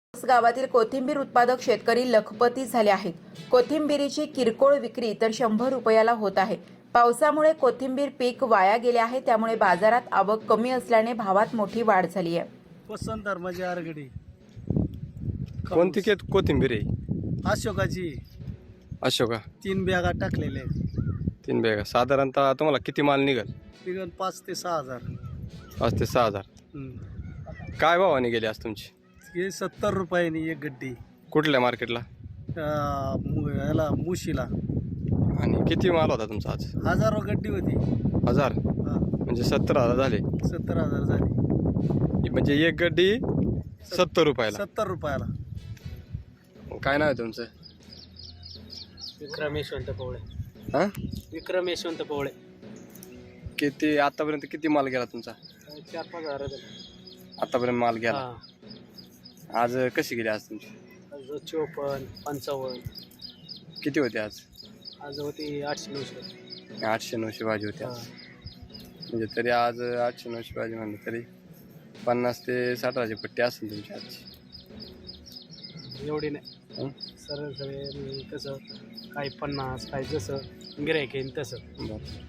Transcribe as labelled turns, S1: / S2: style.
S1: गावातील कोथिंबीर उत्पादक शेतकरी लखपती झाले आहेत. कोथिंबीरीची किरकोळ विक्री तर 100 रुपयाला होत आहे. पावसामुळे कोथिंबीर पीक वाया गेले आहे, त्यामुळे बाजारात आवक कमी असल्याने भावात मोठी वाढ झाली आहे.
S2: वसंत धर्माची आरगडी
S3: कोणती कोथिंबीर आहे?
S2: अशोकाची
S3: अशोका
S2: 3 बॅगा टाकलेले आहेत.
S3: 3 बॅगा. साधारणतः तुम्हाला किती माल निघेल?
S2: तिकडून 5 ते 6 हजार.
S3: 5 ते 6 हजार. काय भावाने गेली आज तुमची?
S2: हे 70 रुपयांनी एक गड्डी.
S3: कुठल्या मार्केटला?
S2: याला मुशीला
S3: आणि किती माल होता तुमचा आज?
S2: हजारो गड्डी होती.
S3: 1000
S2: हा,
S3: म्हणजे 17,000 झाले.
S2: 70,000 झाली.
S3: म्हणजे एक गड्डी 70 रुपयाला.
S2: 70 रुपयाला.
S3: काय नाव आहे तुमचं?
S4: विक्रम यशवंत पोवळे.
S3: हां,
S4: विक्रम यशवंत पोवळे.
S3: किती आतापर्यंत किती माल गेला तुमचा?
S4: 4-5 हजार
S3: आतापर्यंत माल गेला. आज कशी गेली आज तुमची?
S4: 54, 55.
S3: किती होते आज?
S4: आज होती 800-900.
S3: 800-900 भाजी होती आज. म्हणजे तरी आज 800-900 भाजी म्हणलं तरी 50 ते 60 हजाराची पट्टी असेल तुमची आजची.
S4: एवढी नाही. सरळ सगळे कसं काही 50, काही जसं गिऱ्हाईक येईल तसं.
S3: बरं.